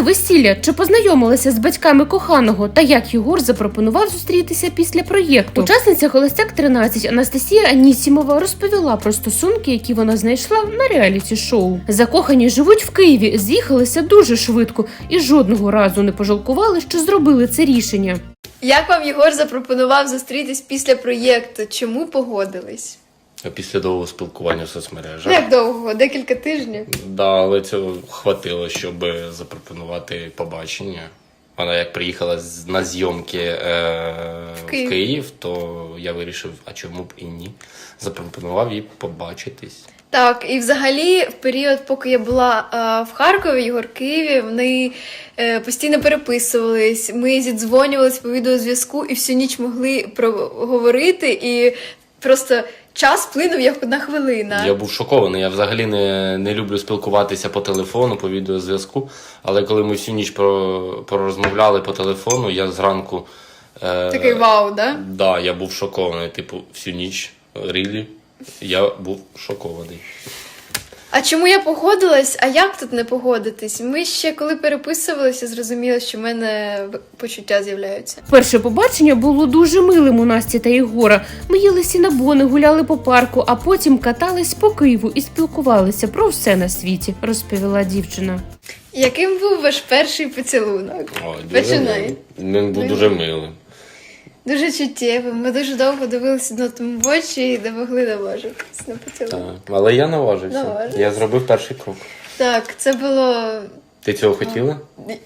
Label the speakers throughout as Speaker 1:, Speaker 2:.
Speaker 1: весілля, чи познайомилася з батьками коханого та як Єгор запропонував зустрітися після проєкту. Учасниця «Холостяк 13» Анастасія Анісімова розповіла про стосунки, які вона знайшла на реаліті-шоу. Закохані живуть в Києві, з'їхалися дуже швидко і жодного разу не пожалкували, що зробили це рішення.
Speaker 2: Як вам Єгор запропонував зустрітись після проєкту? Чому погодились?
Speaker 3: Після довгого спілкування в соцмережах.
Speaker 2: Як довго? Декілька тижнів?
Speaker 3: Да, але цього хватило, щоб запропонувати побачення. Вона як приїхала на зйомки в Київ, то я вирішив, а чому б і ні. Запропонував їй побачитись.
Speaker 2: Так, і взагалі в період, поки я була в Харкові, Єгор в Києві, вони постійно переписувались, ми зідзвонювались по відеозв'язку і всю ніч могли проговорити, і просто час плинув як одна хвилина.
Speaker 3: Я був шокований, я взагалі не люблю спілкуватися по телефону, по відеозв'язку, але коли ми всю ніч порозмовляли по телефону, я зранку...
Speaker 2: Такий вау, да?
Speaker 3: Да, я був шокований, типу, всю ніч, рілі. Я був шокований.
Speaker 2: А чому я погодилась? А як тут не погодитись? Ми ще коли переписувалися, зрозуміли, що в мене почуття з'являються.
Speaker 1: Перше побачення було дуже милим у Насті та Єгора. Ми їли сінабони, гуляли по парку, а потім катались по Києву і спілкувалися про все на світі, розповіла дівчина.
Speaker 2: Яким був ваш перший поцілунок? Починай.
Speaker 3: Він був дуже милим.
Speaker 2: Дуже чуттєвим. Ми дуже довго дивилися на тому в очі і не могли наважитись на поцілунок.
Speaker 3: Так, але я наважився.
Speaker 2: Наважився.
Speaker 3: Я зробив перший крок.
Speaker 2: Так, це було...
Speaker 3: Ти цього хотіла?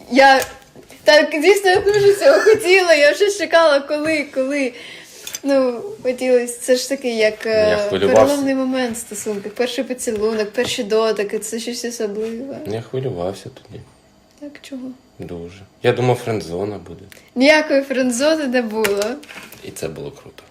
Speaker 2: Так, дійсно, я дуже цього хотіла. Я вже чекала, коли. Ну, хотілося. Це ж такий, як переломний момент стосунків. Перший поцілунок, перші дотики, це щось особливе.
Speaker 3: Я хвилювався тоді.
Speaker 2: Так, чого?
Speaker 3: Дуже. Я думав, френдзона буде.
Speaker 2: Ніякої френдзони не було.
Speaker 3: І це було круто.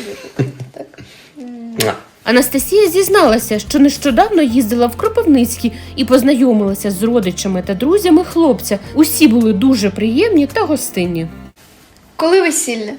Speaker 2: Так.
Speaker 1: Анастасія зізналася, що нещодавно їздила в Кропивницький і познайомилася з родичами та друзями хлопця. Усі були дуже приємні та гостинні.
Speaker 2: Коли весілля?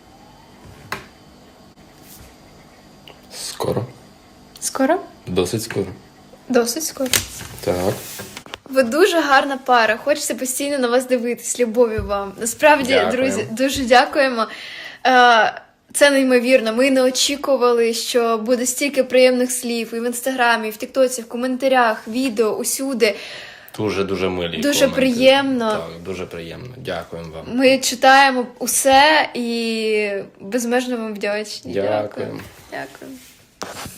Speaker 3: Скоро.
Speaker 2: Скоро?
Speaker 3: Досить скоро.
Speaker 2: Досить скоро.
Speaker 3: Так.
Speaker 2: Ви дуже гарна пара, хочеться постійно на вас дивитись, любові вам. Насправді,
Speaker 3: Дякую.
Speaker 2: друзі, дуже дякуємо. Це неймовірно, ми не очікували, що буде стільки приємних слів і в інстаграмі, і в тіктоці, в коментарях, відео, усюди.
Speaker 3: Дуже милі
Speaker 2: Дуже
Speaker 3: коменти.
Speaker 2: приємно.
Speaker 3: Так, дуже приємно. Дякуємо вам.
Speaker 2: Ми читаємо усе і безмежно вам вдячні.
Speaker 3: Дякуємо.
Speaker 2: Дякую.